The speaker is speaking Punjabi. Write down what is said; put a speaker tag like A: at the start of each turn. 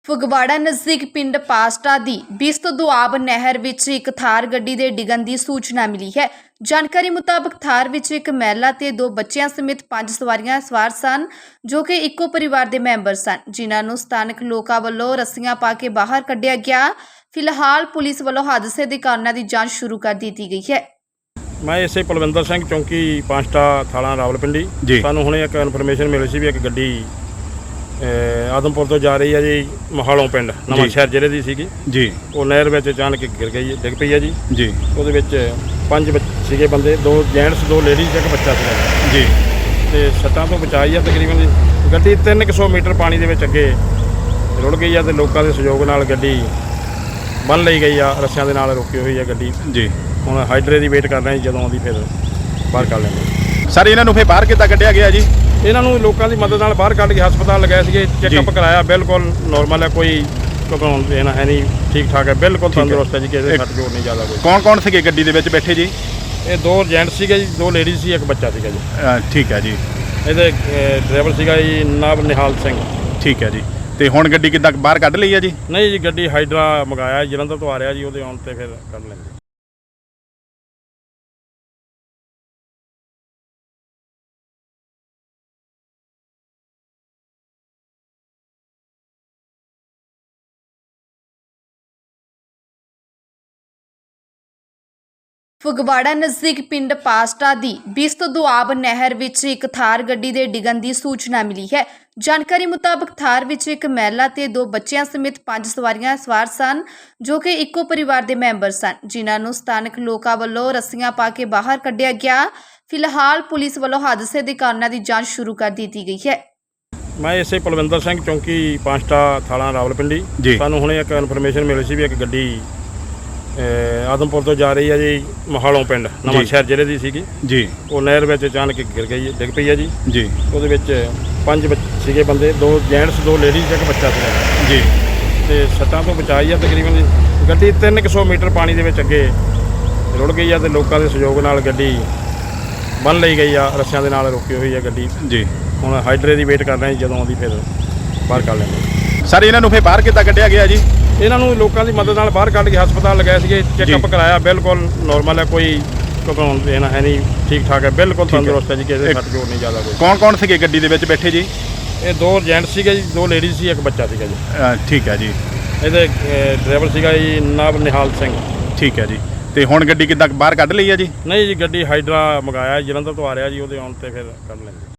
A: ਫਗਵਾੜਾ ਨਜ਼ਦੀਕ ਪਿੰਡ ਪਾਸਟਾ ਦੀ ਬਿਸਤ ਦੁਆਬ ਨਹਿਰ ਵਿੱਚ ਇੱਕ ਥਾਰ ਗੱਡੀ ਦੇ ਡਿੱਗਣ ਦੀ ਸੂਚਨਾ ਮਿਲੀ ਹੈ। ਜਾਣਕਾਰੀ ਮੁਤਾਬਕ ਥਾਰ ਵਿੱਚ ਇੱਕ ਮਹਿਲਾ ਤੇ 2 ਬੱਚਿਆਂ ਸਮੇਤ 5 ਸਵਾਰੀਆਂ ਸਵਾਰ ਸਨ, ਜੋ ਕਿ ਇੱਕੋ ਪਰਿਵਾਰ ਦੇ ਮੈਂਬਰ ਸਨ, ਜਿਨ੍ਹਾਂ ਨੂੰ ਸਥਾਨਕ ਲੋਕਾਂ ਵੱਲੋਂ ਰੱਸੀਆਂ ਪਾ ਕੇ ਬਾਹਰ ਕੱਢਿਆ ਗਿਆ। ਫਿਲਹਾਲ ਪੁਲਿਸ ਵੱਲੋਂ ਹਾਦਸੇ ਦੇ ਕਾਰਨਾਂ ਦੀ ਜਾਂਚ ਸ਼ੁਰੂ ਕਰ ਦਿੱਤੀ ਗਈ ਹੈ।
B: मैं इसे पलविंदर सिंह चौंकी पांचटा थाना रावलपिंडी सानू हुणे एक इन्फॉर्मेशन मिली सी भी एक गड्डी आदमपुर तो जा रही है जी मोहालों पिंड नवांशहर जिले की सीगी जी। वो नहर में अचानक गिर गई डिग पई है जी जी। ਉਹਦੇ ਵਿੱਚ 5 ਸੀਗੇ ਬੰਦੇ, 2 ਜੈਂਟਸ 2 ਲੇਡੀਜ਼ ਇੱਕ ਬੱਚਾ ਸੀਗਾ ਜੀ ਤੇ ਸੱਟਾਂ ਤੋਂ ਬਚਾਈ ਆ ਤਕਰੀਬਨ ਜੀ। ਗੱਡੀ 300 ਮੀਟਰ ਪਾਣੀ ਦੇ ਵਿੱਚ ਅੱਗੇ ਰੁੜ ਗਈ ਆ ਤੇ ਲੋਕਾਂ ਦੇ ਸਹਿਯੋਗ ਨਾਲ ਗੱਡੀ ਬੰਨ ਲਈ ਗਈ ਆ, ਰੱਸਿਆਂ ਦੇ ਨਾਲ ਰੋਕੀ ਹੋਈ ਆ ਗੱਡੀ ਜੀ। ਹੁਣ ਹਾਈਡਰੇ ਦੀ ਵੇਟ ਕਰ ਰਹੇ ਜੀ, ਜਦੋਂ ਆਉਂਦੀ ਫਿਰ ਬਾਹਰ ਕੱਢ ਲੈਂਦੇ।
C: ਸਰ ਇਹਨਾਂ ਨੂੰ ਫਿਰ ਬਾਹਰ ਕਿੱਦਾਂ ਕੱਢਿਆ ਗਿਆ ਜੀ?
B: ਇਹਨਾਂ ਨੂੰ ਲੋਕਾਂ ਦੀ ਮਦਦ ਨਾਲ ਬਾਹਰ ਕੱਢ ਕੇ ਹਸਪਤਾਲ ਲਗਾਏ ਸੀਗੇ, ਚੈੱਕਅਪ ਕਰਾਇਆ, ਬਿਲਕੁਲ ਨੋਰਮਲ ਹੈ, ਕੋਈ ਘਬਰਾਉਣ ਦੇਣਾ ਹੈ ਨਹੀਂ, ਠੀਕ ਠਾਕ ਹੈ, ਬਿਲਕੁਲ ਤੰਦਰੁਸਤ ਹੈ ਜੀ, ਕਿਸੇ ਦੇ ਸੱਟ ਜੋੜ ਨਹੀਂ ਜ਼ਿਆਦਾ ਕੋਈ।
C: ਕੌਣ ਸੀਗੇ ਗੱਡੀ ਦੇ ਵਿੱਚ ਬੈਠੇ ਜੀ?
B: ਇਹ 2 ਜੈਂਟਸ ਸੀਗੇ ਜੀ, 2 ਲੇਡੀਜ਼ ਸੀ, ਇੱਕ ਬੱਚਾ ਸੀਗਾ ਜੀ।
C: ਠੀਕ ਹੈ ਜੀ।
B: ਇਹਦੇ ਡਰਾਈਵਰ ਸੀਗਾ ਜੀ ਨਾਬ ਨਿਹਾਲ ਸਿੰਘ।
C: ਠੀਕ ਹੈ ਜੀ। ਤੇ ਹੁਣ ਗੱਡੀ ਕਿੱਦਾਂ ਬਾਹਰ ਕੱਢ ਲਈ ਹੈ ਜੀ?
B: ਨਹੀਂ ਜੀ, ਗੱਡੀ ਹਾਈਡਰਾ ਮੰਗਾਇਆ, ਜਲੰਧਰ ਤੋਂ ਆ ਰਿਹਾ ਜੀ, ਉਹਦੇ ਆਉਣ ਤੇ ਫਿਰ ਕੱਢ ਲੈਂਦੇ।
A: ਫਗਵਾੜਾ ਨਜ਼ਦੀਕ ਪਿੰਡ ਪਾਸਟਾ ਦੀ ਬਿਸਤ ਦੁਆਬ ਨਹਿਰ ਵਿੱਚ ਇੱਕ ਥਾਰ ਗੱਡੀ ਦੇ ਡਿੱਗਣ ਦੀ ਸੂਚਨਾ ਮਿਲੀ ਹੈ। ਜਾਣਕਾਰੀ ਮੁਤਾਬਕ ਥਾਰ ਵਿੱਚ ਇੱਕ ਮਹਿਲਾ ਤੇ 2 ਬੱਚਿਆਂ ਸਮੇਤ 5 ਸਵਾਰੀਆਂ ਸਵਾਰ ਸਨ, ਜੋ ਕਿ ਇੱਕੋ ਪਰਿਵਾਰ ਦੇ ਮੈਂਬਰ ਸਨ, ਜਿਨ੍ਹਾਂ ਨੂੰ ਸਥਾਨਕ ਲੋਕਾਂ ਵੱਲੋਂ ਰੱਸੀਆਂ ਪਾ ਕੇ ਬਾਹਰ ਕੱਢਿਆ ਗਿਆ। ਫਿਲਹਾਲ ਪੁਲਿਸ ਵੱਲੋਂ ਹਾਦਸੇ ਦੇ ਕਾਰਨਾਂ ਦੀ ਜਾਂਚ ਸ਼ੁਰੂ ਕਰ ਦਿੱਤੀ ਗਈ ਹੈ।
B: ਮੈਂ ਇਸੇ ਪਲਵਿੰਦਰ ਸਿੰਘ ਚੌਂਕੀ ਪਾਂਚਟਾ ਥਾਣਾ ਰਾਵਲਪਿੰਡੀ ਸਾਨੂੰ ਹੁਣੇ ਇੱਕ ਇਨਫੋਰਮੇਸ਼ਨ ਮਿਲੀ ਸੀ ਵੀ ਇੱਕ ਗੱਡੀ ਆਦਮਪੁਰ ਤੋਂ ਜਾ ਰਹੀ ਹੈ ਜੀ ਮੋਹਾਲੋਂ ਪਿੰਡ ਨਵਾਂਸ਼ਹਿਰ ਜ਼ਿਲ੍ਹੇ ਦੀ ਸੀਗੀ ਜੀ। ਉਹ ਨਹਿਰ ਵਿੱਚ ਅਚਾਨਕ ਗਿਰ ਗਈ, ਡਿੱਗ ਪਈ ਹੈ ਜੀ ਜੀ। ਉਹਦੇ ਵਿੱਚ 5 ਸੀਗੇ ਬੰਦੇ, 2 ਜੈਂਟਸ 2 ਲੇਡੀਜ਼ ਇੱਕ ਬੱਚਾ ਸੀਗਾ ਜੀ ਤੇ ਸੱਟਾਂ ਤੋਂ ਬਚਾਈ ਆ ਤਕਰੀਬਨ ਜੀ। ਗੱਡੀ 300 ਮੀਟਰ ਪਾਣੀ ਦੇ ਵਿੱਚ ਅੱਗੇ ਰੁੜ ਗਈ ਆ ਤੇ ਲੋਕਾਂ ਦੇ ਸਹਿਯੋਗ ਨਾਲ ਗੱਡੀ ਬੰਨ ਲਈ ਗਈ ਆ, ਰੱਸਿਆਂ ਦੇ ਨਾਲ ਰੋਕੀ ਹੋਈ ਆ ਗੱਡੀ ਜੀ। ਹੁਣ ਹਾਈਡਰੇ ਦੀ ਵੇਟ ਕਰ ਰਹੇ ਜੀ, ਜਦੋਂ ਆਉਂਦੀ ਫਿਰ ਬਾਹਰ ਕੱਢ ਲੈਂਦੇ।
C: ਸਰ ਇਹਨਾਂ ਨੂੰ ਫਿਰ ਬਾਹਰ ਕਿੱਦਾਂ ਕੱਢਿਆ ਗਿਆ ਜੀ?
B: ਇਹਨਾਂ ਨੂੰ ਲੋਕਾਂ ਦੀ ਮਦਦ ਨਾਲ ਬਾਹਰ ਕੱਢ ਕੇ ਹਸਪਤਾਲ ਲਗਾਏ ਸੀਗੇ, ਚੈੱਕਅਪ ਕਰਾਇਆ, ਬਿਲਕੁਲ ਨੋਰਮਲ ਹੈ, ਕੋਈ ਘਬਰਾਉਣ ਦੇਣਾ ਹੈ ਨਹੀਂ, ਠੀਕ ਠਾਕ ਹੈ, ਬਿਲਕੁਲ ਤੰਦਰੁਸਤ ਹੈ ਜੀ, ਕਿਸੇ ਦੇ ਸੱਟ ਜੋੜ ਨਹੀਂ ਜ਼ਿਆਦਾ ਕੋਈ।
C: ਕੌਣ ਸੀਗੇ ਗੱਡੀ ਦੇ ਵਿੱਚ ਬੈਠੇ ਜੀ?
B: ਇਹ 2 ਜੈਂਟਸ ਸੀਗੇ ਜੀ, 2 ਲੇਡੀਜ਼ ਸੀ, ਇੱਕ ਬੱਚਾ ਸੀਗਾ ਜੀ।
C: ਠੀਕ ਹੈ ਜੀ।
B: ਇਹਦੇ ਡਰਾਈਵਰ ਸੀਗਾ ਜੀ ਨਾਬ ਨਿਹਾਲ ਸਿੰਘ।
C: ਠੀਕ ਹੈ ਜੀ। ਤੇ ਹੁਣ ਗੱਡੀ ਕਿੱਦਾਂ ਬਾਹਰ ਕੱਢ ਲਈ ਹੈ ਜੀ?
B: ਨਹੀਂ ਜੀ, ਗੱਡੀ ਹਾਈਡਰਾ ਮੰਗਾਇਆ, ਜਲੰਧਰ ਤੋਂ ਆ ਰਿਹਾ ਜੀ, ਉਹਦੇ ਆਉਣ ਤੇ ਫਿਰ ਕੱਢ ਲੈਂਦੇ।